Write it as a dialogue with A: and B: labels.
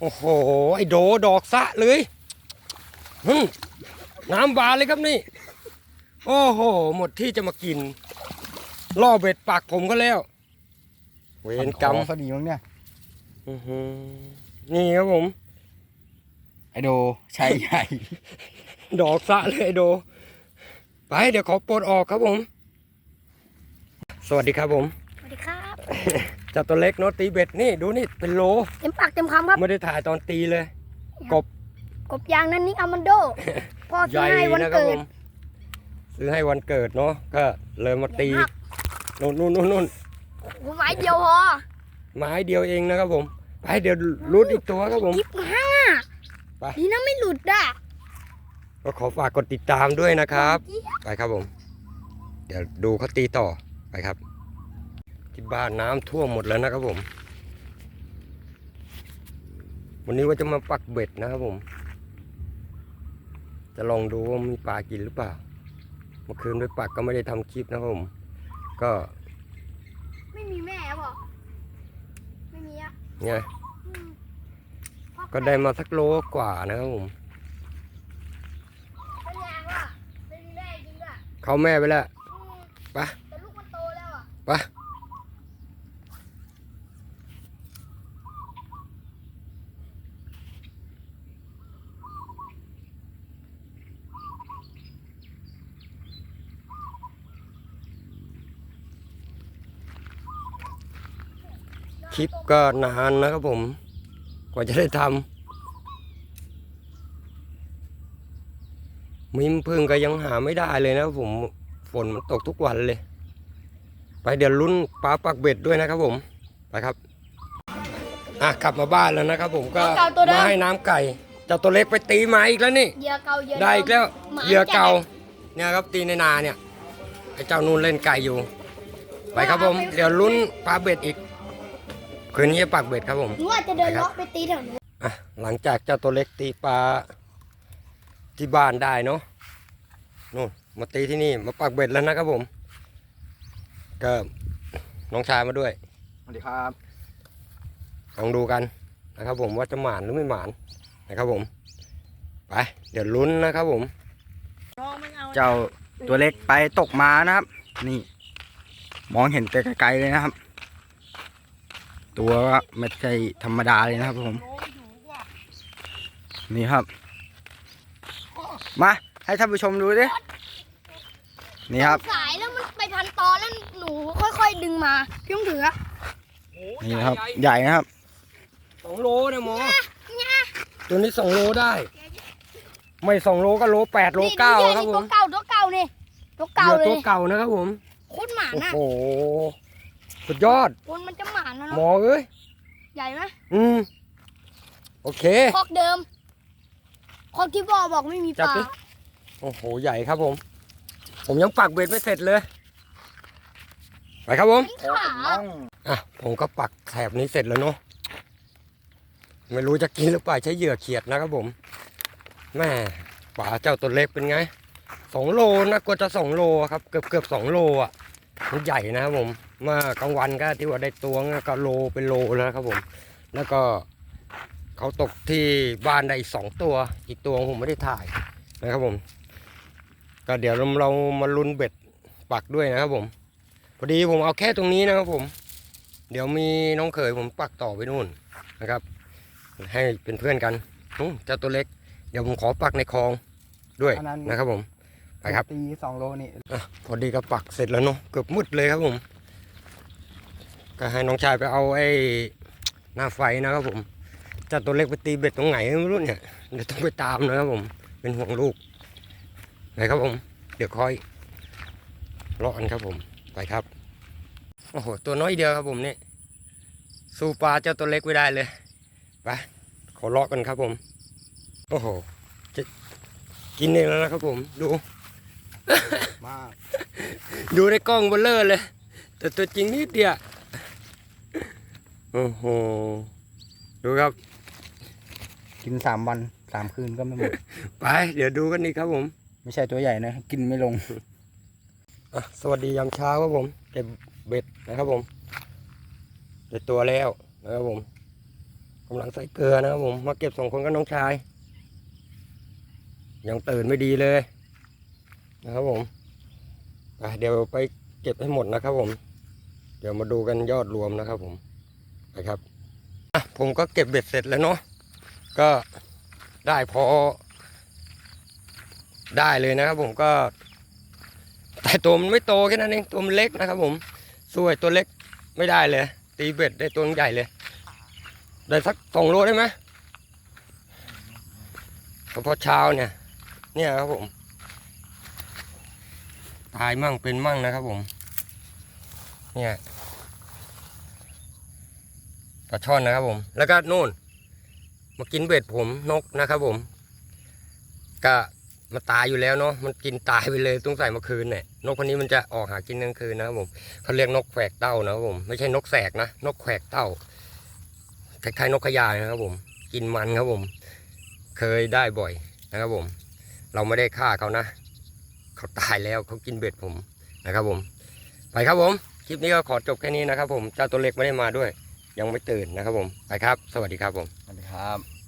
A: โอ้โหไอโดดอกสะเลยน้ำบานเลยครับนี่โอ้โหหมดที่จะมากินล่อเบ็ดปากผมก็แล้วเวรกรรม
B: พอดีมั้งเนี่ย
A: นี่ครับผม
B: ไอโดชายใหญ่
A: ดอกสะเลยไอโดไปเดี๋ยวขอปลดออกครับผมสวัสดีครับผม
C: สวัสดีครับ
A: จับตัวเล็กเนาะตีเบ็ดนี่ดูนี่เป็นโล
C: เต็มปากเต็มคำครับ
A: ไม่ได้ถ่ายตอนตีเลยกบ
C: กบยางนั้นนี่อามันโดพ่อ
A: ให
C: ซื้อ
A: ญ่
C: ให้วัน
A: นะครับ
C: เกิ
A: ผ
C: ด
A: มซื้อให้วันเกิดเนาะก็เลยมาตีนู่น
C: ผมไม้เดียวพอ
A: ไม้เดียวเองนะครับผมไปเดี๋ยวรุดอีกตัวครับผม
C: ยิบห้า
A: ไป
C: ดีนะไม่หลุดอ่ะ
A: ก็ขอฝากกดติดตามด้วยนะครับไปครับผมเดี๋ยวดูเขาตีต่อไปครับที่บ้านน้ำท่วมหมดแล้วนะครับผมวันนี้ว่าจะมาปักเบ็ดนะครับผมจะลองดูว่ามีปลากินหรือเปล่าเมื่อคืนไปปักก็ไม่ได้ทำคลิปนะครับผมก็
C: ไม่มีแม่หรอไม่มีอ่ะ
A: ไง
C: อืมพ่อ
A: ก็ได้มาสักโลกว่านะครับผม
C: เป็นไงวะเป็นแม่จริงอ่ะ
A: เขาแม่ไปแล้ว
C: อืม
A: ไป
C: แต่ลูกมันโตแล้วอ่ะ
A: ไปคลิปก็นานนะครับผมกว่าจะได้ทำมิมพึ่งก็ยังหาไม่ได้เลยนะครับผมฝนมันตกทุกวันเลยไปเดี๋ยวลุ้นปลาปักเบ็ดด้วยนะครับผมไปครับกลับมาบ้านแล้วนะครับผมก็มาให้น้ำไก่เจ้าตัวเล็กไปตีมาอีกแล้วนี่
C: เหยื่อเก่าเหยื่อ
A: ได้อีกแล้ว
C: หมา
A: เหยื่อเก่า
C: แ
A: เนี่ยครับตีในนาเนี่ยไอ้เจ้านูนเล่นไก่อยู่ไปครับผมเดี๋ยวลุ้นปลาเบ็ดอีกคืนนี้ปักเบ็ดครับผม
C: หนูอาจจะเดินเลาะไปตีแถวนู้น
A: หลังจากเจ้าตัวเล็กตีปลาที่บ้านได้เนาะนู่นมาตีที่นี่มาปักเบ็ดแล้วนะครับผมก็น้องชายมาด้วย
B: สวัสดีครับ
A: ลองดูกันนะครับผมว่าจะหมานหรือไม่หมานนะครับผมไปเดี๋ยวลุ้นนะครับผม
B: เจ้าตัวเล็กไปตกมานะครับ นี่ มองเห็นแต่ไกลๆเลยนะครับ ตัวก็ไม่ใช่ธรรมดาเลยนะครับผมนี่ครับ มาให้ท่านผู้ชมดูดินี่ครับ
C: สายแล้วมันไปพันตอแล้วหนูค่อยๆดึงมาพี่ต้องถืออะ
B: นี่นะครับ ใหญ่นะครับ
A: 2 โลนะหมอตัวนี้2 โลได้ ไม่2 โลก็โล8 โล 9ครับผม
C: ตัวเก่านี่ตัว
A: เห
C: เก่า
A: ยื่อ
C: เล
A: ตัวย เก่านะครับผม
C: โคตรหมา
A: โอ้
C: น่ะ
A: โหสุดยอด
C: คนมันจะหมานะ
A: หม
C: เนาะ
A: อเอ้ย
C: ใหญ่ไหม
A: โอเค
C: คอกเดิมคอกที่บอกไม่มีป
A: จับ
C: ลา
A: ดิ โอ้โหใหญ่ครับผม ผมยังปักเบ็ดไม่เสร็จเลยไปครับผม
C: ขา
A: ผมก็ปักแถบนี้เสร็จแล้วเนาะไม่รู้จะกินหรือเปล่าใช้เหยื่อเขียดนะครับผมแม่ป่าเจ้าตัวเล็กเป็นไง2 โลนะกว่าจะ2 โลครับเกือบ2 โลอ่ะมันใหญ่นะครับผมเมื่อกลางวันก็ที่ว่าได้ตัวก็โลเป็นโลแล้วครับผมแล้วก็เขาตกที่บ้านได้อีก2 ตัวอีกตัวผมไม่ได้ถ่ายนะครับผมก็เดี๋ยวเรามาลุ้นเบ็ดปักด้วยนะครับผมพอดีผมเอาแค่ตรงนี้นะครับผมเดี๋ยวมีน้องเขยผมปักต่อไปนู่นนะครับ ให้เป็นเพื่อนกันเจ้าตัวเล็กเดี๋ยวผมขอปักในคลองด้วย
B: อันนั้น
A: นะครับผมไปครับ
B: ตี2 โลนี่
A: พอดีก็ปักเสร็จแล้วเนาะเกือบมืดเลยครับผมก็ให้น้องชายไปเอาไอ้หน้าไฟนะครับผมเจ้าตัวเล็กไปตีเบ็ดตรงไหนไม่รู้เนี่ยเดี๋ยวต้องไปตามนะครับผมเป็นห่วงลูกไปครับผมเดี๋ยวคอยรอกันครับผมไปครับโอ้โหตัวน้อยเดียวครับผมนี่สู้ปลาเจ้าตัวเล็กไม่ได้เลยไปขอเลาะกันครับผมโอ้โหจะกินเองแล้วนะครับผมดู
B: มาก
A: ดูในกล้องเบลเลอร์เลยแต่ตัวจริงนิดเดียวโอ้โหดูครับ
B: กิน3 วัน 3 คืนก็ไม่หมด
A: ไปเดี๋ยวดูกันนี่ครับผม
B: ไม่ใช่ตัวใหญ่นะ กินไม่ลง
A: สวัสดียามเช้าครับผมเก็บเบ็ดนะครับผมได้ตัวแล้วนะครับผมกำลังใส่เกลือนะครับผมมาเก็บ2 คนกับน้องชายยังตื่นไม่ดีเลยนะครับผมเดี๋ยวไปเก็บให้หมดนะครับผมเดี๋ยวมาดูกันยอดรวมนะครับผมนะครับผมก็เก็บเบ็ดเสร็จแล้วเนาะก็ได้พอได้เลยนะครับผมก็แต่ตัวมันไม่โตแค่นั้นเองตัวมันเล็กนะครับผมสวยตัวเล็กไม่ได้เลยตีเบ็ดได้ตัวใหญ่เลยได้สัก2 โลได้ไหมพอเช้าเนี่ยครับผมตายมั่งเป็นมั่งนะครับผมเนี่ยปลาช่อนนะครับผมแล้วก็นู่นมากินเบ็ดผมนกนะครับผมก็มาตายอยู่แล้วเนาะมันกินตายไปเลยต้องใส่เมื่อคืนเนี่ยนกคนนี้มันจะออกหากินกลางคืนนะครับผมเขาเรียกนกแขวกเต้านะครับผมไม่ใช่นกแสกนะนกแขวกเต้าคล้ายๆนกขยายนะครับผมกินมันครับผมเคยได้บ่อยนะครับผมเราไม่ได้ฆ่าเขานะเขาตายแล้วเขากินเบ็ดผมนะครับผมไปครับผมคลิปนี้ก็ขอจบแค่นี้นะครับผมเจ้าตัวเล็กไม่ได้มาด้วยยังไม่ตื่นนะครับผมไปครับสวัสดีครับผม
B: สวัสดีครับ